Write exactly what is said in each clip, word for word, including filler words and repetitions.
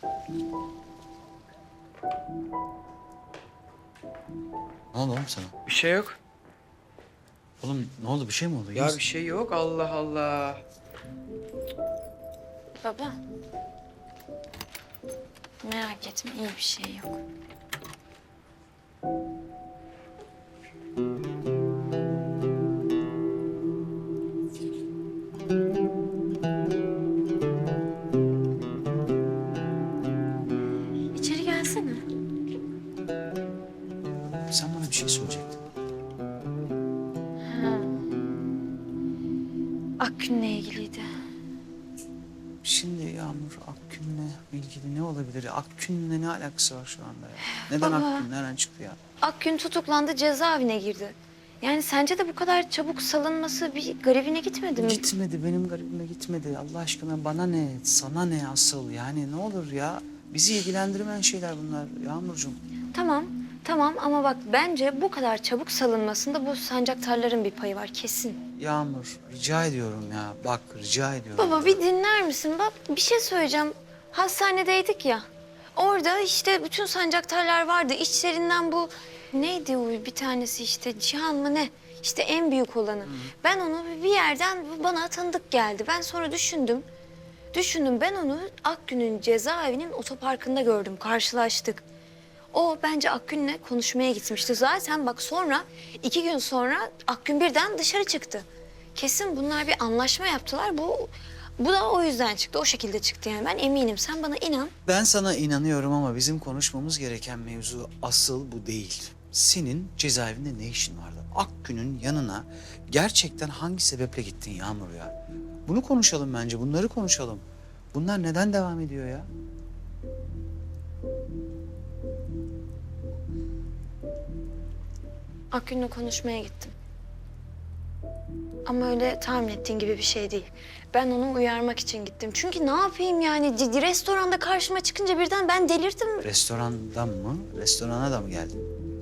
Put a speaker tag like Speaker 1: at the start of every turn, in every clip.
Speaker 1: Ne oldu oğlum sana?
Speaker 2: Bir şey yok.
Speaker 1: Oğlum ne oldu? Bir şey mi oldu? İyi
Speaker 2: Ya
Speaker 1: misin?
Speaker 2: bir şey yok. Allah Allah.
Speaker 3: Baba. Merak etme, iyi bir şey yok. İçeri gelsene.
Speaker 1: Sen bana bir şey söyleyecektin.
Speaker 3: Ha. Akgün'le ilgiliydi.
Speaker 1: Şimdi Yağmur Akgün'le ilgili ne olabilir? Akgün'le ne alakası var şu anda ya? Neden
Speaker 3: Baba.
Speaker 1: Akgün? Nereden çıktı ya?
Speaker 3: Akgün tutuklandı, cezaevine girdi. Yani sence de bu kadar çabuk salınması bir garibine gitmedi mi?
Speaker 1: Gitmedi, benim garibime gitmedi. Allah aşkına bana ne, sana ne asıl? Yani ne olur ya? Bizi ilgilendirmeyen şeyler bunlar Yağmurcuğum.
Speaker 3: Tamam, tamam ama bak bence bu kadar çabuk salınmasında bu sancaktarların bir payı var kesin.
Speaker 1: Yağmur, rica ediyorum ya. Bak, rica ediyorum.
Speaker 3: Baba bir dinler misin? Bak bir şey söyleyeceğim. Hastanedeydik ya. Orada işte bütün sancaktarlar vardı. İçlerinden bu neydi o bir tanesi işte Cihan mı ne? İşte en büyük olanı. Hı. Ben onu bir yerden bana tanıdık geldi. Ben sonra düşündüm. Düşündüm ben onu Akgün'ün cezaevinin otoparkında gördüm. Karşılaştık. O bence Akgün'le konuşmaya gitmişti. Zaten bak sonra iki gün sonra Akgün birden dışarı çıktı. Kesin bunlar bir anlaşma yaptılar. Bu bu da o yüzden çıktı. O şekilde çıktı yani. Ben eminim. Sen bana inan.
Speaker 1: Ben sana inanıyorum ama bizim konuşmamız gereken mevzu asıl bu değil. Senin cezaevinde ne işin vardı? Akgün'ün yanına gerçekten hangi sebeple gittin Yağmur ya? Bunu konuşalım bence, bunları konuşalım. Bunlar neden devam ediyor ya?
Speaker 3: Akgün'le konuşmaya gittim. Ama öyle tahmin ettiğin gibi bir şey değil. Ben onu uyarmak için gittim. Çünkü ne yapayım yani? C- restoranda karşıma çıkınca birden ben delirdim.
Speaker 1: Restorandan mı? Restorana da mı geldin?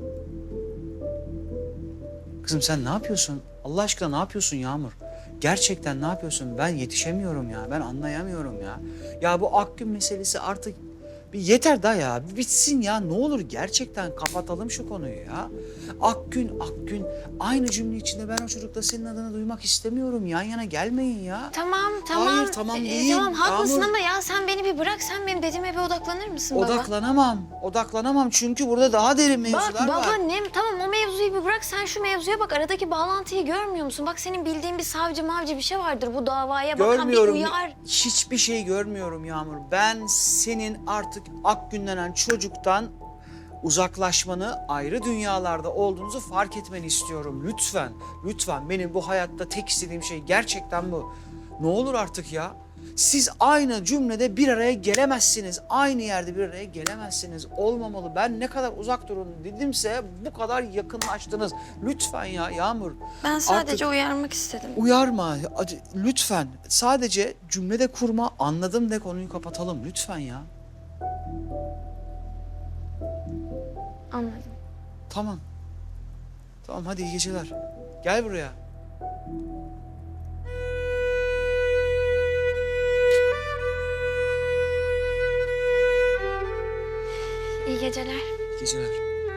Speaker 1: Kızım sen ne yapıyorsun? Allah aşkına ne yapıyorsun Yağmur? Gerçekten ne yapıyorsun? Ben yetişemiyorum ya. Ben anlayamıyorum ya. Ya bu Akgün meselesi artık bir yeter daha ya. Bir bitsin ya. Ne olur gerçekten kapatalım şu konuyu ya. Akgün, Akgün. Aynı cümle içinde ben o çocukla senin adını duymak istemiyorum. Yan yana gelmeyin ya.
Speaker 3: Tamam, tamam.
Speaker 1: Hayır, tamam
Speaker 3: Ee,
Speaker 1: değil.
Speaker 3: tamam, haklısın
Speaker 1: Yağmur.
Speaker 3: ama ya sen beni bir bırak. Sen benim dediğime bir odaklanır mısın baba?
Speaker 1: Odaklanamam. Odaklanamam çünkü burada daha derin mevzular
Speaker 3: Bak
Speaker 1: var.
Speaker 3: baba ne tamam o mevzuyu bir bırak sen şu mevzuya bak aradaki bağlantıyı görmüyor musun? Bak senin bildiğin bir savcı mavcı bir şey vardır bu davaya bakan bir
Speaker 1: Görmüyorum.
Speaker 3: uyar.
Speaker 1: Hiçbir şey görmüyorum Yağmur. Ben senin artık Akgün denen çocuktan uzaklaşmanı, ayrı dünyalarda olduğunuzu fark etmeni istiyorum. Lütfen, lütfen. Benim bu hayatta tek istediğim şey gerçekten bu. Ne olur artık ya. Siz aynı cümlede bir araya gelemezsiniz. Aynı yerde bir araya gelemezsiniz. Olmamalı. Ben ne kadar uzak durun dedimse bu kadar yakınlaştınız. Lütfen ya Yağmur.
Speaker 3: Ben sadece
Speaker 1: Artık
Speaker 3: uyarmak istedim.
Speaker 1: uyarma. Acı- Lütfen. Sadece cümlede kurma. Anladım de konuyu kapatalım. Lütfen ya.
Speaker 3: Anladım.
Speaker 1: Tamam. Tamam hadi iyi geceler. Gel buraya.
Speaker 3: İyi geceler.
Speaker 1: İyi geceler.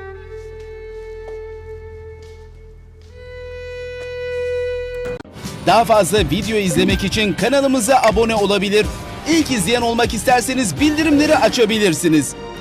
Speaker 4: Daha fazla video izlemek için kanalımıza abone olabilir. İlk izleyen olmak isterseniz bildirimleri açabilirsiniz.